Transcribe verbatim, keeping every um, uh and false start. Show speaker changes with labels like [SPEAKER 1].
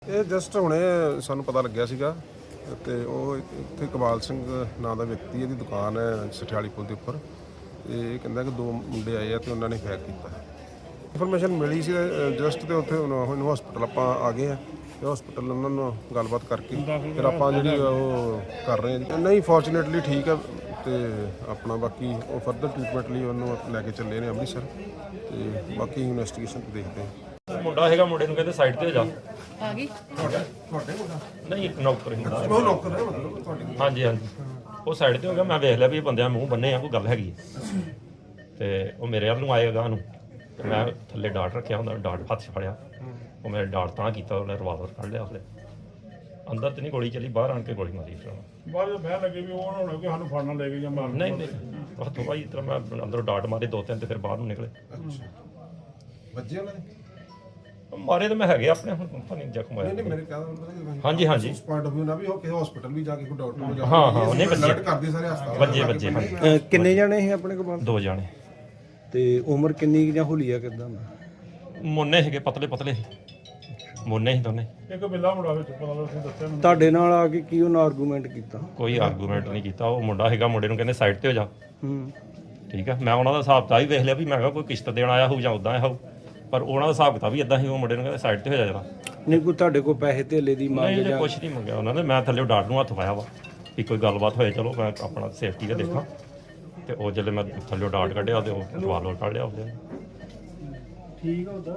[SPEAKER 1] ਇਹ ਜਸਟ ਹੁਣੇ ਸਾਨੂੰ ਪਤਾ ਲੱਗਿਆ ਸੀਗਾ ਤੇ ਉਹ ਇੱਥੇ ਕਮਾਲ ਸਿੰਘ ਨਾਂ ਦਾ ਵਿਅਕਤੀ, ਇਹਦੀ ਦੁਕਾਨ ਹੈ ਸਠਿਆਲੀ ਪੁਲ ਦੇ ਉੱਪਰ। ਤੇ ਇਹ ਕਹਿੰਦਾ ਕਿ ਦੋ ਮੁੰਡੇ ਆਏ ਆ ਤੇ ਉਹਨਾਂ ਨੇ ਫੈਕ ਕੀਤਾ। ਇਨਫੋਰਮੇਸ਼ਨ ਮਿਲੀ ਸੀ ਜਸਟ ਤੇ ਉੱਥੇ ਹੁਣ ਹਸਪੀਟਲ ਆਪਾਂ ਆ ਗਏ ਆ ਤੇ ਹਸਪੀਟਲ ਉਹਨਾਂ ਨੂੰ ਗੱਲਬਾਤ ਕਰਕੇ ਫਿਰ ਆਪਾਂ ਜਿਹੜੀ ਉਹ ਕਰ ਰਹੇ ਹਾਂ। ਨਹੀਂ ਫੋਰਚੂਨੇਟਲੀ ਠੀਕ ਆ ਤੇ ਆਪਣਾ ਬਾਕੀ ਉਹ ਫਰਦਰ ਟ੍ਰੀਟਮੈਂਟ ਲਈ ਉਹਨੂੰ ਲੈ ਕੇ ਚੱਲੇ ਨੇ ਅੰਮ੍ਰਿਤਸਰ ਤੇ ਬਾਕੀ ਇਨਵੈਸਟੀਗੇਸ਼ਨ ਦੇਖਦੇ ਹਾਂ।
[SPEAKER 2] ਮੁੰਡਾ ਹੈਗਾ, ਮੁੰਡੇ ਨੂੰ ਕਹਿੰਦੇ ਸਾਈਡ ਤੇ ਹੋ ਜਾ।
[SPEAKER 3] ਆ ਗਈ
[SPEAKER 1] ਤੁਹਾਡੇ ਤੁਹਾਡੇ ਮੁੰਡਾ
[SPEAKER 2] ਨਹੀਂ ਇੱਕ ਨੌਕਰ ਹੀ ਹੁੰਦਾ।
[SPEAKER 1] ਉਹ ਨੌਕਰ ਹੈ ਮਤਲਬ ਤੁਹਾਡੀ?
[SPEAKER 2] ਹਾਂਜੀ ਹਾਂਜੀ, ਉਹ ਸਾਈਡ ਤੇ ਹੋ ਗਿਆ। ਮੈਂ ਵੇਖ ਲਿਆ ਵੀ ਇਹ ਬੰਦਿਆਂ ਮੂੰਹ ਬੰਨੇ ਆ, ਕੋਈ ਗੱਲ ਹੈਗੀ ਹੈ। ਤੇ ਉਹ ਮੇਰੇ ਵੱਲ ਨੂੰ ਆਏਗਾ ਨੂੰ ਤੇ ਮੈਂ ਥੱਲੇ ਡਾਟ ਰੱਖਿਆ ਹੁੰਦਾ, ਡਾਟ ਹੱਥ 'ਚ ਫੜਿਆ। ਉਹ ਮੇਰੇ ਡਾਟ ਤਾਂ ਕੀਤਾ, ਉਹਨੇ ਰਿਵਾਲਵਰ ਕੱਢ ਲਿਆ। ਉਹਨੇ ਅੰਦਰ ਤੇ ਨਹੀਂ ਗੋਲੀ ਚੱਲੀ, ਬਾਹਰ ਆਣ ਕੇ ਗੋਲੀ ਮਾਰੀ ਫਿਰ ਉਹਨੇ।
[SPEAKER 4] ਬਾਅਦ ਵਿੱਚ ਬਹਿ ਲੱਗੇ ਵੀ ਉਹ ਨਾ ਹੋਣਾ ਕਿ ਸਾਨੂੰ ਫੜਨਾ ਲੈ ਕੇ ਜਾਂ ਮਾਰਨ।
[SPEAKER 2] ਨਹੀਂ ਨਹੀਂ, ਹੱਥੋਂ ਭਾਈ ਇਸ ਤਰ੍ਹਾਂ ਮੈਂ ਅੰਦਰੋਂ ਡਾਟ ਮਾਰੇ ਦੋ ਤਿੰਨ ਤੇ ਫਿਰ ਬਾਹਰ ਨੂੰ ਨਿਕਲੇ।
[SPEAKER 1] ਵੱਜੇ ਉਹਨਾਂ ਨੇ?
[SPEAKER 2] ਮਾਰੇ ਤਾਂ ਮੈਂ ਹੈਗੇ ਆਪਣੇ, ਹੁਣ ਪਤਾ ਨਹੀਂ ਜ਼ਖਮ
[SPEAKER 1] ਨਹੀਂ ਨਹੀਂ
[SPEAKER 2] ਹੋਇਆ।
[SPEAKER 1] ਮੇਰੇ ਕਹਿੰਦਾ
[SPEAKER 2] ਹਾਂਜੀ ਹਾਂਜੀ,
[SPEAKER 1] ਉਸ ਪੁਆਇੰਟ ਆਫ View ਨਾ ਵੀ ਉਹ ਕਿਸੇ ਹਸਪੀਟਲ ਵੀ ਜਾ ਕੇ ਕੋਈ ਡਾਕਟਰ ਨੂੰ ਜਾ ਕੇ
[SPEAKER 2] ਹਾਂ ਹਾਂ, ਉਹਨੇ ਵੱਜੇ
[SPEAKER 1] alert ਕਰਦੇ ਸਾਰੇ ਹਸਪਤਾਲ
[SPEAKER 2] ਵੱਜੇ ਵੱਜੇ ਹਾਂਜੀ,
[SPEAKER 5] ਅਹ ਕਿੰਨੇ ਜਾਣੇ ਸੀ ਆਪਣੇ ਕੋਲ?
[SPEAKER 2] ਦੋ ਜਾਣੇ।
[SPEAKER 5] ਤੇ ਉਮਰ ਕਿੰਨੀ ਕੁ ਜਾਂ ਹੁਲੀਆ ਕਿਦਾਂ ਦਾ?
[SPEAKER 2] ਮੁੰਨੇ ਸੀਗੇ, ਪਤਲੇ ਪਤਲੇ ਮੁੰਨੇ ਸੀ ਦੋਨੇ।
[SPEAKER 4] ਇੱਕ ਬਿੱਲਾ ਮੁੰਡਾ ਵਿੱਚ ਪਤਾ ਲੱਗ ਤੁਸੀਂ ਦੱਸਿਆ ਮੈਨੂੰ।
[SPEAKER 5] ਤੁਹਾਡੇ ਨਾਲ ਆ ਕੇ ਕੀ ਉਹਨਾਂ ਆਰਗੂਮੈਂਟ ਕੀਤਾ?
[SPEAKER 2] ਕੋਈ ਆਰਗੂਮੈਂਟ ਨਹੀਂ ਕੀਤਾ। ਉਹ ਮੁੰਡਾ ਹੈਗਾ, ਮੁੰਡੇ ਨੂੰ ਕਹਿੰਦੇ ਸਾਈਡ ਤੇ ਹੋ ਜਾ।
[SPEAKER 5] ਹੂੰ,
[SPEAKER 2] ਠੀਕ ਆ, ਮੈਂ ਉਹਨਾਂ ਦਾ ਹਿਸਾਬ ਤਾਂ ਹੀ ਵੇਖ ਲਿਆ ਵੀ ਮੈਂ ਕਿਹਾ ਕੋਈ ਕਿਸ਼ਤ ਦੇਣ ਆਇਆ ਹੋਊ ਜਾਂ ਉਦਾਂ ਆਇਆ ਹੋਊ, ਪਰ ਉਹਨਾਂ ਦਾ ਹਿਸਾਬ ਕਿਤਾਬ ਵੀ ਇਦਾਂ ਸੀ। ਉਹ ਮੁੰਡੇ ਨੂੰ ਕਹਿੰਦੇ ਸਾਈਡ ਤੇ ਹੋ ਜਾ ਜਰਾ।
[SPEAKER 5] ਨਹੀਂ ਕੋਈ ਤੁਹਾਡੇ ਕੋਲ ਪੈਸੇ ਧੇਲੇ ਦੀ ਮੰਗ
[SPEAKER 2] ਨਹੀਂ
[SPEAKER 5] ਜਾਂ?
[SPEAKER 2] ਕੁਛ ਨਹੀਂ ਮੰਗਿਆ ਉਹਨਾਂ ਨੇ। ਮੈਂ ਥੱਲੇ ਡਾਟ ਨੂੰ ਹੱਥ ਪਾਇਆ ਵਾ ਵੀ ਕੋਈ ਗੱਲਬਾਤ ਹੋਏ, ਚਲੋ ਮੈਂ ਆਪਣਾ ਸੇਫਟੀ ਦਾ ਦੇਖਾਂ। ਤੇ ਉਹ ਜਦੋਂ ਮੈਂ ਥੱਲੇ ਡਾਟ ਕੱਢਿਆ ਤੇ ਉਹ ਰਿਵਾਲਵਰ ਕੱਢ ਲਿਆ ਉਹਦੇ।
[SPEAKER 4] ਠੀਕ ਆ ਉਹਦਾ।